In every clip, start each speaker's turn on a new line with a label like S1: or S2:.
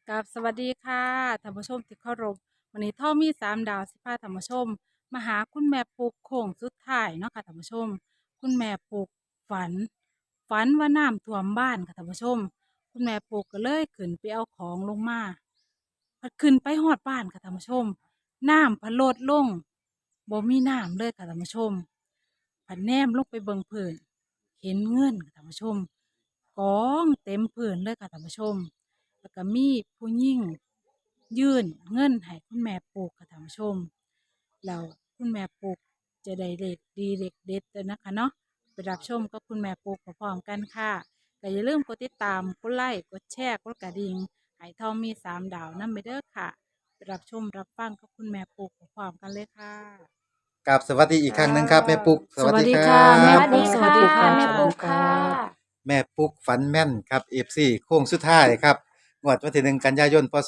S1: กับสวัสดีค่ะท่านผู้ชมที่เคารพวันนี้ท่อมีสามดาวสิพาท่านผู้ชมมาหาคุณแม่ปุกโค้งสุดท้ายเนาะค่ะท่านผู้ชมคุณแม่ปุกฝันฝันว่าน้ำท่วมบ้านค่ะท่านผู้ชมคุณแม่ปุกก็เลยขึ้นไปเอาของลงมาพอขึ้นไปฮอดบ้านค่ะท่านผู้ชมน้ำพัดลดลงบ่มีน้ำเลยค่ะท่านผู้ชมผันแนมลงไปเบิ่งพื้นเห็นเงินค่ะท่านผู้ชมกองเต็มพื้นเลยค่ะท่านผู้ชม แล้วก็มีผู้หญิงยื่นเงินให้คุณแม่ปลูกค่ะท่านผู้ชมแล้วคุณแม่ปลูกจะได้เลขดีเลขเด็ดเลยนะคะเนาะไปรับชมกับคุณแม่ปลูกพร้อมๆกันค่ะก็อย่าลืมกดติดตามกดไลค์กดแชร์กดกระดิ่งให้ทองมีสามดาวนั่นไปเด้อค่ะไปรับชมรับฟังกับคุณแม่ปลูกพร้อมๆกันเลยค่ะ
S2: กับสวัสดีอีกครั้งหนึ่งครับแม่ปุ๊กสวัสดีครั
S1: สวัสดีค่ะแม่
S3: ส
S2: บ
S3: วัสดีค่ะ
S1: สวัสดีค่ะ
S3: แม่ปุ๊กค่ะ
S2: แม่ปุ๊กฝันแม่นครับเอฟซีโค้งสุดท้ายครับงวดวันที่1 กันยายนพศ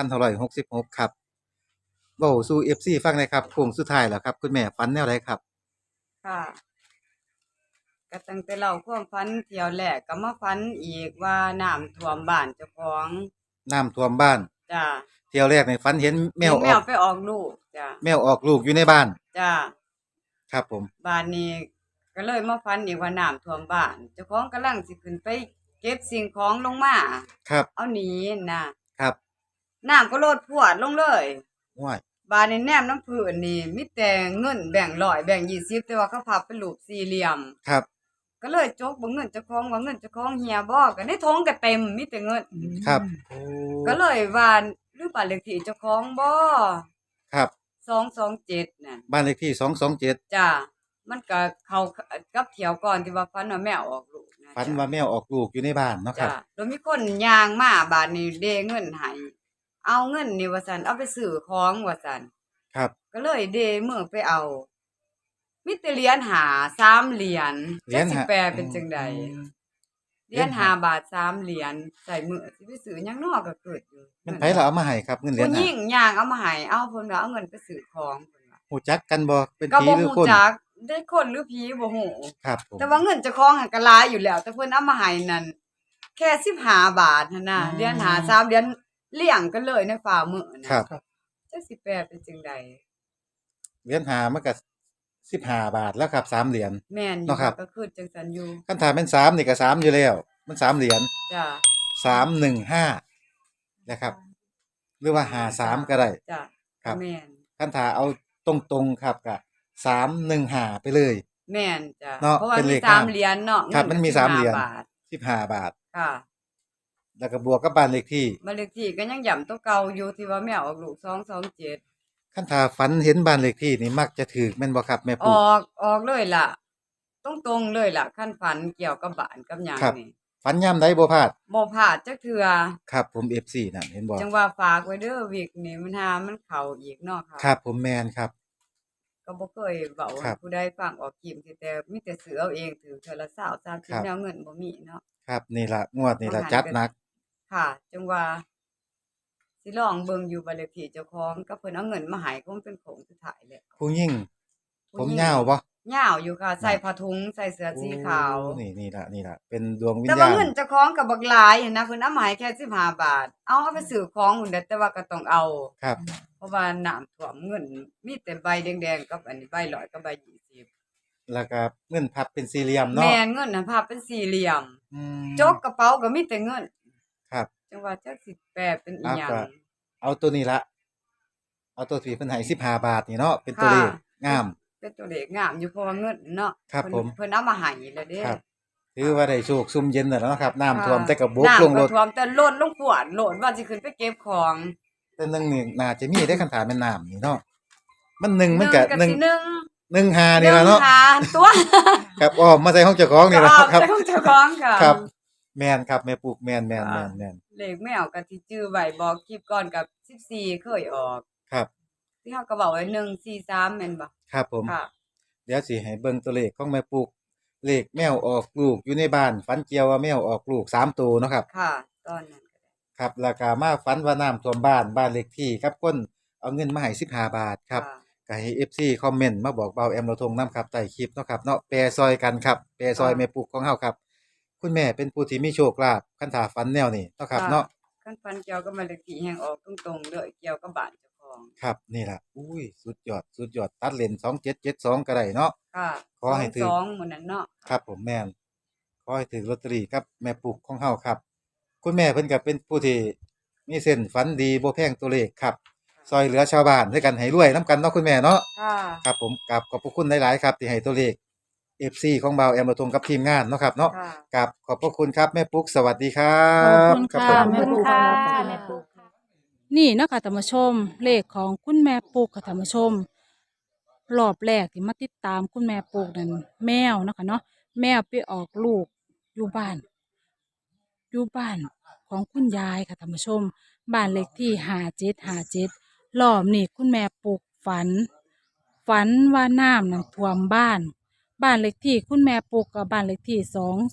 S2: 2566ครับเว้าสู่เอฟซีฟังหน่อยครับโค้งสุดท้ายแล้วครับคุณแม่ฝันแนวไหนครับ
S3: ค่ะก็ตั้งแต่เล่าความฝันเที่ยวแรกก็มาฝันอีกว่าน้ำท่วมบ้านเจ้าของ
S2: น้ำท่วมบ้าน
S3: จ้า
S2: เที่ยวแรกในฝันเห็นแม
S3: เห็น
S2: วออก
S3: แมวไปออกลูกจ้า
S2: แมวออกลูกอยู่ในบ้าน
S3: จ้า
S2: ครับผม
S3: บ้านนี้ก็เลยมาฝันอีกว่าน้ำท่วมบ้านเจ้าของกำลังสิขึ้นไปเก็บสิ่งของลงมา
S2: ครับ
S3: เอาหนีนะครับน้ำก็โลดพรวดลงเลย
S2: ว้าย
S3: บ้านนี้แนมน้ำพื้นนี่มีแต่เงินแบ่ง100แบ่ง20แต่ว่าเขาพับเป็นรูปสี่เหลี่ยม
S2: ครับ
S3: ก็เลยจกเบ่งเงินเจ้าของว่าเงินเจ้าของเหี่ยบ่ก็ในท้องก็เต็มมีแต่เงิน
S2: ครับโอ้
S3: ก็เลยว่าหรือบ้านเลขที่เจ้าของบ่
S2: ครับ
S3: 227น่ะ
S2: บ้านเลขที่227
S3: จ้ะมันก็เข้ากับเที่ยวก่อนที่ว่าฝันว่าแมวออกลูกนะ
S2: ฝัน
S3: จ้ะ
S2: ว่าแมวออกลูกอยู่ในบ้านเนาะครั
S3: จ้ะ
S2: บ
S3: แล้วมีคนย่างมาบ้านนี้เดเงินให้เอาเงินนี่ว่าซั่นเอาไปซื้อของว่าซั่น
S2: ครับ
S3: ก็เลยเดมื้อไปเอามีแต่เหรียญ5 3เหรียญ
S2: เหรียญ
S3: จักสิ
S2: หา
S3: แปลเป็นจังใด
S2: อืม
S3: เหรียญ
S2: เหรียญห้า
S3: 5 บาท3เหรียญใส่มื้อสิไปซื้อหยังน้อก็เกิดอยู่
S2: มัน
S3: เงิน
S2: ไผล่ะเอามาให้ครับเงินเหรียญ
S3: ผู้ห
S2: ห้า
S3: ญิงย่างเอามาให้เอาเพิ่นว่าเอาเงินไปซื้อของเพิ่นว่า
S2: ฮู้จักกันบ่เป็น
S3: ก็บ่
S2: ผีหรือคน
S3: ฮู้จักได้คนหรือผีบ่ฮู้
S2: ครับผม
S3: แต่ว่าเงินเจ้าของหั้นก็หลายอยู่แล้ว แต่เพิ่นเอามาให้นั่นแค่15 บาทหั้นน่ะเหรียญ5 3เหรียญเรียงกันเลยในฝ่ามือ
S2: ค
S3: น่ะ
S2: รับ
S3: จักสิแปลเป็นจังใด
S2: เหรียญห้ามันก็15 บาทแล้วครับ3เหรียญ
S3: แม่นอยู่
S2: เนาะครับ
S3: ก็คือจังซั้นอยู่
S2: คันถ้าแม่น3นี่ก็3อยู่แล้วมัน3เหรียญ
S3: จ้ะ
S2: 315นะครับหรือว่า53ก็ได้
S3: จ้ะ
S2: ครับ
S3: แม่น
S2: คันถ้าเอาตรงๆครับก็315ไปเลย
S3: แม่นจ้ะ
S2: เนาะ
S3: เพราะว่า
S2: เป็นเล
S3: มี
S2: ขงาม
S3: 3เหรียญเนาะ
S2: ครับ
S3: เงินก็
S2: มันมี3เหรียญ
S3: 15 บาท
S2: 15 บาท
S3: ค่ะ
S2: แล้วก็บวกกับบ้านเลขที่
S3: บ้านเลขที่ก็ยังย้ำตัวเก่าอยู่ที่ว่าแม่ออกลูก227
S2: คันถ้าฝันเห็นบ้านเลขที่นี่มักจะถูกแม่นบ่ครับแม่
S3: อ
S2: ปุ๊
S3: อกเลยล่ะตรงๆเลยล่ะคันฝันเกี่ยวกับบ้านกับหยัง
S2: ครับ
S3: นี่
S2: ฝันยามใดบ่พลาด
S3: บ่พลาดจักเทื่อ
S2: ครับผม FC นั่นเห็นบ่
S3: จังว่าฝากไว้เด้อวิกนี่มันหามันเข้าอีกเนาะค่ะ
S2: ครับผมแม่นครับ
S3: ก็บ่เคยเว้า
S2: ครับ
S3: ให้ผู้ใดฟังออกคลิปแต่มีแต่ซื้อเอาเองถือเทื่อละ20
S2: ครั
S3: 30
S2: บ
S3: แนวเงินบ่มีเนาะ
S2: ครับนี่ล่ะงวดนี่
S3: บาง
S2: ล่ะ
S3: หันก็
S2: จัดหนัก
S3: ค่ะจังว่าสิลองเบิ่งอยู่บ้านเลขที่เจ้าของก็เพิ่นเอาเงินมาให้คงเป็นโค้งสุดท้ายแหละ
S2: ผู้หญิงผม
S3: ผู้หญิง
S2: ยาวบ่
S3: ยาวอยู่ค่ะใส่
S2: น่ะ
S3: ผ้าถุงใส่เสื้อ
S2: โอ้
S3: สีขาว
S2: นี่ล่ะเป็นดวงวิ
S3: แต่ว่า
S2: ญญาณ
S3: เงินเจ้าของก็บักหลายหั้นนะเพิ่นเอามาให้แค่15 บาทเอาไปซื้อของพุ่นเด้อแต่ว่าก็ต้องเอา
S2: ครับ
S3: เพราะว่าน้ำท่วมเงินมีแต่ใบแดงๆกับอันนี้ใบ100กับใบ20
S2: แล้วก็เงินพับเป็นสี่เหลี่ยมเนาะ
S3: แม่นเงินน่ะภาพเป็นสี่เหลี่ยม
S2: อื
S3: จ
S2: ม
S3: กกระเป๋าก็มีแต่เงิน
S2: ครับ
S3: จังว่าจักสิแปลเป็นอิ
S2: เอา
S3: หยัง
S2: ก็เอาตัวนี้ละเอาตัวที่เพิ่นให้15 บาทนี่เนาะเป็นตัว
S3: ค่ะ
S2: เลขงาม
S3: เป็นตัวเลขงามอยู่เพราะว่าเงินเนาะ
S2: ครับผม
S3: เพิ่นเอามาให้แล้วเด้
S2: ครับถือว่าได้โชคซุ่มเย็นแล้วเนาะครับน้ำท่ว
S3: ค่ะ
S2: มแต่ก็บกลง
S3: น้ำ
S2: รถ
S3: ก็ท่วมแต่โลดลงขวดโลดว่าสิขึ้นไปเก็บของ
S2: แต่หนึงนี่น่าจะมีได้คันถามแม่นน้ำนี่เนาะมันหนึ่งมันก็
S3: ก็
S2: หนึ่ง
S3: สิหนึ่ง
S2: หนึ่งหานี่ล่ะเนาะ
S3: หาตัว
S2: ครับอ้อมมาใส่ห้องเจ้าของ
S3: ก็
S2: นี่ล่ะ
S3: ออก
S2: ครับ
S3: จากของเจ้าของค่ะ
S2: ครับแม่นครับแม่ปลูกแม่น
S3: ค่ะ
S2: ๆ
S3: เลขแมวก็ที่จื้อไว้บอกคลิปก่อนกับ14เคยออก
S2: ๆครับ
S3: ที่เฮาก็เว้าไว้143แม่นบ่
S2: ครับผม
S3: ค่ะ
S2: เดี๋ยวสิให้เบิ่งตัวเลขของแม่ปลูกเลขแมวออกลูกอยู่ในบ้านฝันเกี่ยวว่าแมวออกลูก3ตัวเนาะครับ
S3: ค่ะตอนนั้นก็ได้
S2: ครับแล้วก็มาฝันว่าน้ำท่วมบ้านเลขที่ครับคนเอาเงินมาให้15 บาทครับ
S3: ค่ะ
S2: ก็ให้ FC คอมเมนต์มาบอกเบาแอมเราทงนํครับใต้คลิปเนาะครับเนาะแปรซอยกันครับแปรซอย
S3: ค่ะ
S2: แม่ปลูกของเฮาครับคุณแม่เป็นผู้ที่มีโชคลาภคันถ้าฝันแนวนี้เนาะครับ
S3: ค่ะ
S2: เนาะ
S3: คัคันฟันเกี่ยวกับบ้านเลขที่แห่งออกตรงๆเลยเกี่ยวกับบ้านเจ้าของ
S2: ครับนี่ล่ะอุ้ยสุดยอดสุดยอดตัดเลน2772ก็ได้เนาะ
S3: ค่ะ
S2: ขอให้ถือ
S3: 22หมื้อนั้นเนาะ
S2: ครับผมแม่นขอให้ถือลอตเตอรี่ครับแม่ปุกของเฮาครับคุณแม่เพิ่นก็เป็นผู้ที่มีเส้นฝันดีบ่แพงตัวเลขครับซอยเหลือชาวบ้านด้วยกันให้รวยนํกันเนาะคุณแม่เนาะ
S3: ค่ะ
S2: ครับผมกราบขอบพระคุณหลายๆครับที่ให้ตัวเลข FC ของเบาแอมระทงกับทีมงานเนาะครับเนาะ
S3: ค่ะ
S2: กราบขอบพระคุณครับแม่ปุ๊กสวัสดีครั
S1: ขอบ
S2: บ
S1: คุณ
S2: ครับ
S1: ค่ะ
S2: ผม
S4: ขอบคุณค่ะแม่ปุ๊กค่ะ
S1: นี่เนาะคะท่านผู้ชมเลขของคุณแม่ปุกค่ะท่านผู้ชมรอบแรกที่มาติดตามคุณแม่ปุกนั่นแมวเนาะคะเนาะแมวไปออกลูกอยู่บ้านอยู่บ้านของคุณยายค่ะท่านผู้ชมบ้านเลขที่5757รอบนี้คุณแม่ปุกฝันว่าน้ำนั่นท่วมบ้านเลขที่คุณแม่ปุกกับบ้านเลขที่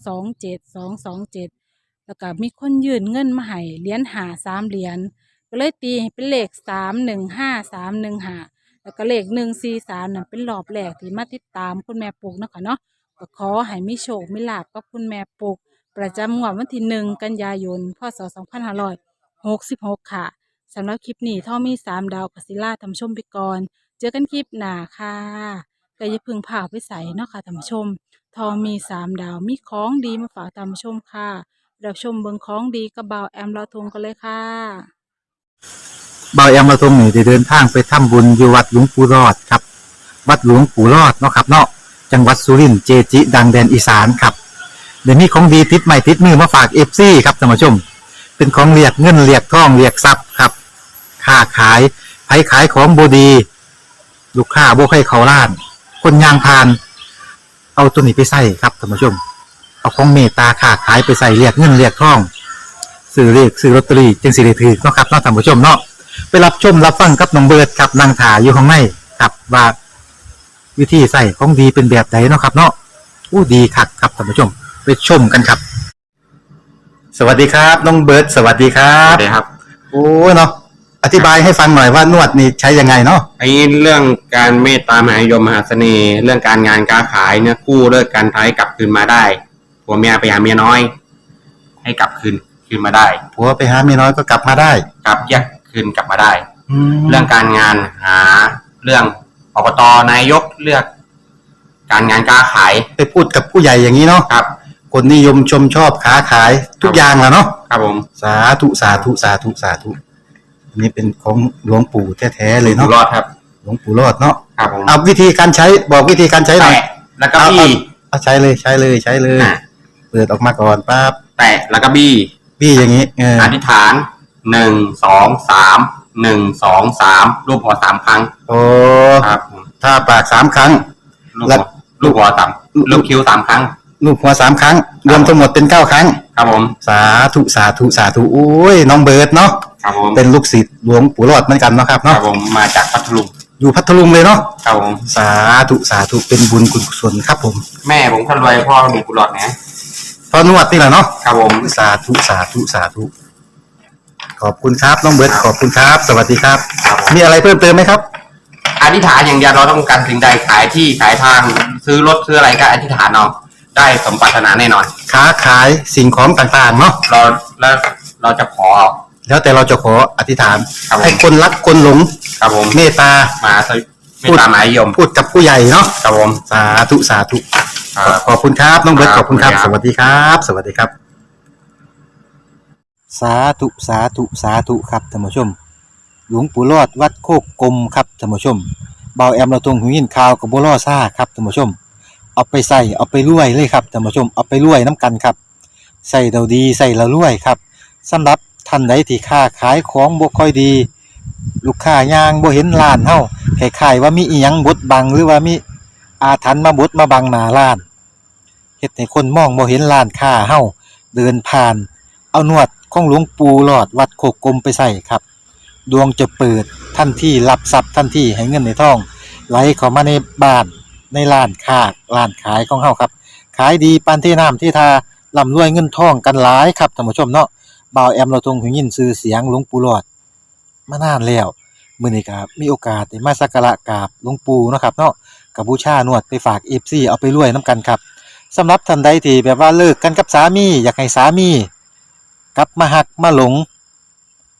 S1: 227แล้วก็มีคนยื่นเงินมาให้เหรียญหา3 เหรียญ ก็เลยตีให้เป็นเลข315แล้วก็เลข143นั่นเป็นรอบแรกที่มาติดตามคุณแม่ปุกเนาะค่ะเนาะก็ขอให้มีโชคมีลาภกับคุณแม่ปุกประจำงวดวันที่1 กันยายนพศ2566ค่ะสำหรับคลิปนี้ท่อมี3 ดาวกัสิล่าทำชมไปก่อนเจอกันคลิปหน้าค่ะก็อย่าเพึ่งพาไปใส่เนาะค่ะท่านผู้ชมทอมี3 ดาวมีของดีมาฝากท่านผู้ชมค่ะเราชมเบิงของดีกับบ่าวแอมลอทงกันเลยค่ะ
S2: เบาแอมมาตรงนี้ได้เดินทางไปทำบุญอยู่วัดหลวงปู่รอดครับวัดหลวงปู่รอดเนาะครับเนาะจังหวัดสุรินทร์เจจิ ดังแดนอีสานครับเดี๋ยวนี้ของดีติดใหม่ติดมือมาฝากFCครับท่านผู้ชม เป็นของเรียกเงินเรียกทองเรียกทรัพย์ครับค้าขายไผขายของบดีลูกค้าบ่ให้เขาล้าน คนยางพาน เอาตัวนี้ไปใส่ครับท่านผู้ชม เอาของเมตตาค้าขายไปใส่เรียกเงินเรียกทองซื้อเลขซื้อลอตเตอรี่จึงสิได้ถือเนาะครับเนาะท่านผู้ชมเนาะไปรับชมรับฟังกับน้องเบิร์ดครับนางถาอยู่ข้างในครับว่าวิธีใส่ของดีเป็นแบบไหนเนาะครับ เนาะอู้ดีคักครับท่านผู้ชมไปชมกันครับ สวัสดีครับน้องเบิร์ดสวัสดีครั
S5: ส
S2: บ
S5: วัสดีครับ
S2: โอ้เนาะอธิบายให้ฟังหน่อยว่านวดนี่ใช้ยังไงเนาะ
S5: ไอ้เรื่องการเมตตามหานิยมมหาเสน่ห์ เรื่องการงานการขายเนี่ยกู้เลิกการท้ายกลับคืนมาได้ผัวเมียไปหาเมียน้อย ให้กลับคืนมาได้
S2: ผัวไปหาเมียน้อยก็กลับมาได้
S5: กลับแยกคืนกลับมาได้เรื่
S2: แล้
S5: องการงานหาเรื่องอบตนายกเลือก การงานการขาย
S2: ไปพูดกับผู้ใหญ่อย่างนี้เนาะ
S5: ครับ
S2: คนนิยมชมชอบค้าขายทุกอย่างแหละเนาะ
S5: ครับผม
S2: สาธุสาธุสาธุสาธุอันนี้เป็นของหลวงปู่แท้ๆเลยเนาะ
S5: รอดครับ
S2: หลวงปู่รอดเนาะ
S5: ครับผม
S2: เอาวิธีการใช้บอกวิธีการใช้หน่อย
S5: แตะแล้วก็บี้
S2: เอาใช้เลยใช้เลยใช้เลยเปิดออกมาก่อนปั๊บ
S5: แตะแล้วก็บี้
S2: อย่างนี้
S5: อธิษฐาน1 2 3 1 2 3รูปหัว3ครั้ง
S2: โอ้
S5: ครับ
S2: ถ้าปาก3ครั้ง
S5: ลูกหัว3ลูกคิ้ว3ครั้ง
S2: ลูกหัว3ครั้งรวมทั้งหมดเป็น9ครั้ง
S5: ครับผม
S2: สาธุสาธุสาธุโอ้ยน้องเบิร์ดเนาะ
S5: ครับผม
S2: เป็นลูกศิษย์หลวงปู่รอดเหมือนกันเนาะครับ
S5: ครั
S2: เนาะ
S5: บผมมาจากพัทลุง
S2: อยู่พัทลุงเลยเนาะ
S5: ครับผม
S2: สาธุสาธุเป็นบุญกุศลครับผม
S5: แม่ผมคนรวยพ่อมีกุหลาบนะ
S2: พอนวดนี่แหละเนาะ
S5: ครับผม
S2: สาธุสาธุสาธุขอบคุณครับน้องเบิร์ดขอบคุณครับสวัสดีครับมีอะไรเพิ่มเติมไหมครับ
S5: อธิษฐานอย่างเดียวเราต้องการสิ่งใดขายที่ขายทางซื้อรถซื้ออะไรก็อธิษฐานเอาได้สมปรารถนาแน่นอน
S2: ค้าขายสิ่งของต่างๆเนาะ
S5: เราจะขอ
S2: แล้วแต่เราจะขออธิษฐานให้คนรักคนหลง
S5: ครับผม
S2: เมตตา
S5: มาเมตตามหานิยม
S2: พูดกับผู้ใหญ่เนาะ
S5: ครับผม
S2: สาธุสาธุขอบคุณครับน้องเบิร์ตขอบคุณครับสวัสดีครับสวัสดีครับสาธุสาธุสาธุครับท่านผู้ชมหลวงปู่รอดวัดโคกกลมครับท่านผู้ชมเบาแอมเราตรงหูยินข่าวกับบัวล่อซ่าครับท่านผู้ชมเอาไปใส่เอาไปรวยเลยครับท่านผู้ชมเอาไปรวยน้ำกันครับใส่เราดีใส่เรารวยครับสำหรับท่านใดที่ค้าขายของบ่ค่อยดีลูกค้ายางบ่เห็นร้านเฮาคล้ายๆว่ามีอีหยังบดบังหรือว่ามีอาถรรพ์มาบดมาบังหน้าร้านเฮ็ดให้คนมองบ่เห็นร้านค้าเฮาเดินผ่านเอานวดของหลวงปู่หลอดวัดโคกกลมไปใส่ครับดวงจะเปิดทันทีรับทรัพย์ทันทีให้เงินในท้องไหลเข้ามาในบ้านในร้านค้าร้านขายของเฮาครับขายดีปานที่น้ำที่ทาร่ำรวยเงินทองกันหลายครับท่านผู้ชมเนาะบ่าวแอมเราทรงหูยินชื่อเสียงหลวงปู่หลอดมานานแล้วมื้อนี้ก็มีโอกาสได้มาสักการะกราบหลวงปู่เนาะครับเนาะก็บูชานวดไปฝาก FC เอาไปรวยนํกันครับสำหรับท่านใดที่แบบว่าเลิกกันกับสามีอยากให้สามีกลับมาหักมาหลง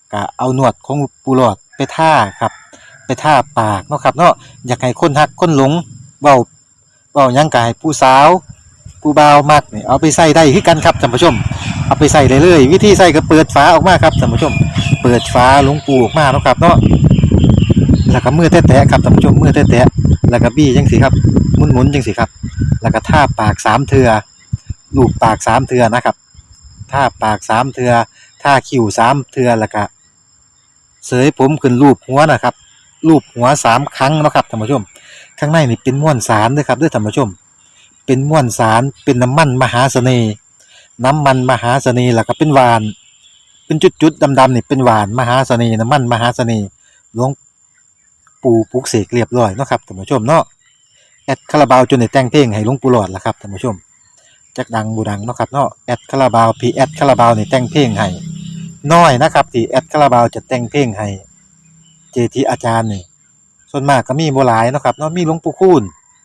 S2: ก็เอาหนวดของปูหลอดไปท่าครับไปท่าปากเนาะครับเนาะอยากให้คนฮักคนหลงเว้าหยังก็ให้ผู้สาวผู้บ่าวมักนี่เอาไปใส่ได้คือกันครับท่านผู้ชมเอาไปใส่ได้เลยวิธีใส่ก็เปิดฝาออกมาครับท่านผู้ชมเปิดฝาหลวงปูออกมาเนาะครับเนาะแล้วก็มือแตะๆครับท่านผู้ชมมือแตะๆแล้วก็บี้จังซี่ครับหมุนๆจังซี่ครับแล้วก็ท่าปากสามเทื่อลูบปากสามเทื่อนะครับท่าปากสามเทื่อท่าคิ้วสามเทื่อแล้วก็เสยผมขึ้นรูปหัวนะครับรูปหัวสามครั้งเนาะครับท่านผู้ชมข้างในนี่เป็นม้วนสารเด้อครับเด้อท่านผู้ชมเป็นม้วนสารเป็นน้ำมันมหาเสน่ห์น้ำมันมหาเสน่ห์แล้วก็เป็นหวานเป็นจุดๆดำๆนี่เป็นหวานมหาเสน่ห์น้ำมันมหาเสน่ห์หลวงปู่ปลุกเสกเรียบร้อยเนาะครับท่านผู้ชมเนาะแอดคาราบาวจนได้แต่งเพลงให้หลวงปู่หลอดล่ะครับท่านผู้ชมจักดังบ่ดังเนาะครับเนาะแอดคาราบาวพี่แอดคาราบาวนี่แต่งเพลงให้น้อยนะครับที่แอดคาราบาวจะแต่งเพลงให้เจทีอาจารย์นี่ส่วนมากก็มีบ่หลายเนาะครับเนาะมีหลวงปู่คูณ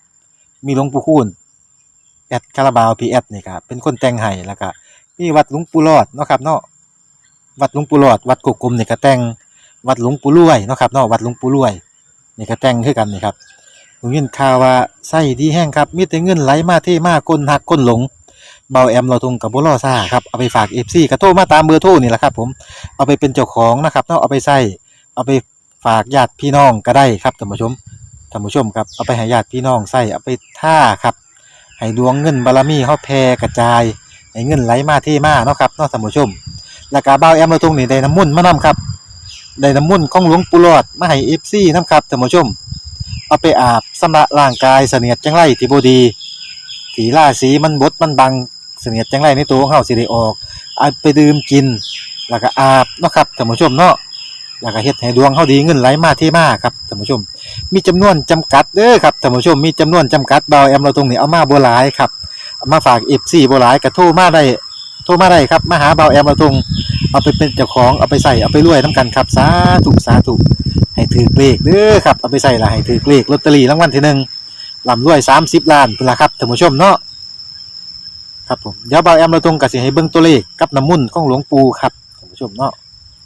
S2: แอดคาราบาวพี่แอดนี่ครับเป็นคนแต่งให้แล้วก็มีวัดหลวงปู่หลอดเนาะครับเนาะวัดหลวงปู่หลอดวัดกกกลมนี่ก็แต่งวัดหลวงปู่รวยเนาะครับเนาะวัดหลวงปู่รวยนี่ก็แต่งคือกันนี่ครับผมยินข่าวว่าไส้ดีแห้งครับมีแต่เงินไหลมาเทมาคนหักคนหลงเบาแอมเราทงกับบ่รอซ่าครับเอาไปฝาก FC ก็โทรมาตามเบอร์โทรนี่แหละครับผมเอาไปเป็นเจ้าของนะครับเนาะเอาไปใส่เอาไปฝากญาติพี่น้องก็ได้ครับท่านผู้ชมครับเอาไปให้ญาติพี่น้องใส่เอาไปท่าครับให้ดวงเงินบารมีเฮาแผ่กระจายให้เงินไหลมาเทมาเนาะครับเนาะท่านผู้ชมแล้วก็เบาแอมเราทงนี่ได้น้ำมนต์มานํครับได้น้ำมนต์ของหลวงปู่หลอดมาให้ FC นํครับท่านผู้ชมเอาไปอาบชำระร่างกายเสนียดจังไรที่บ่ดีที่ราศีมันบดมันบังเสนียดจังไรในตัวของเฮาสิได้ออกเอาไปดื่มกินแล้วก็อาบเนาะครับท่านผู้ชมเนาะแล้วก็เฮ็ดให้ดวงเฮาดีเงินไหลมาเทมาครับท่านผู้ชมมีจำนวนจำกัดเด้อครับท่านผู้ชมมีจำนวนจำกัดเบาแอมเราตรงนี้เอามาบ่หลายครับเอามาฝาก FC บ่หลายก็โทรมาได้ครับมาหาเบาแอมเราตรงเอาไปเป็นเจ้าของเอาไปใส่เอาไปรวยนํกันครับสาธุให้ถือเลขเด้อครับเอาไปใส่ละให้ถือเลขลอตเตอรี่รางวัลที่หนึ่งร่ำรวย30 ล้านพุ่นล่ะครับท่านผู้ชมเนาะครับผมเดี๋ยวเบาแอมเราตรงก็สิให้เบิ่งตัวเลขกับน้ำมนต์ของหลวงปู่ครับท่านผู้ชมเนาะ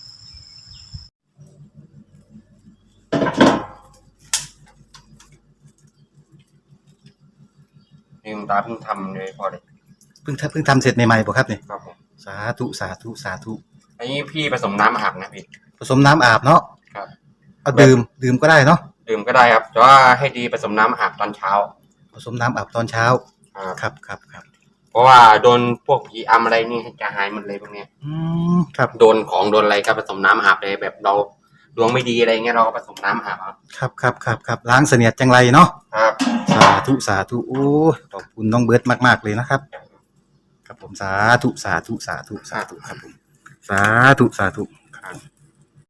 S5: นี่คุณตาเพิ่งทำเลยพอเลย
S2: เพิ่งทำเสร็จใหม่ๆป่ะครับเนี่ย
S5: ครับผม
S2: สาธุ
S5: อันนี้พี่ผสมน้ำอาบนะพี่
S2: ผสมน้ำอาบเนาะ
S5: ครับ
S2: เอาดื่มก็ได้เนาะ
S5: ดื่มก็ได้ครับแต่ว่าให้ดีผสมน้ำอาบตอนเช้า
S2: ผสมน้ำอาบตอนเช้าครับ
S5: เพราะว่าโดนพวกผีอำอะไรนี่จะหายหมดเลยพวกเนี้ย
S2: ครับ
S5: โดนของโดนอะไรก็ผสมน้ำอาบเลยแบบเราดวงไม่ดีอะไรเงี้ยเราก็ผสมน้ำอาบ
S2: ครับล้างเสนียดจังไรเนาะ
S5: ครับ
S2: สาธุโอ้ขอบคุณน้องเบิร์ดมากๆเลยนะครับครับผมสาธุครับผมสาธุครับ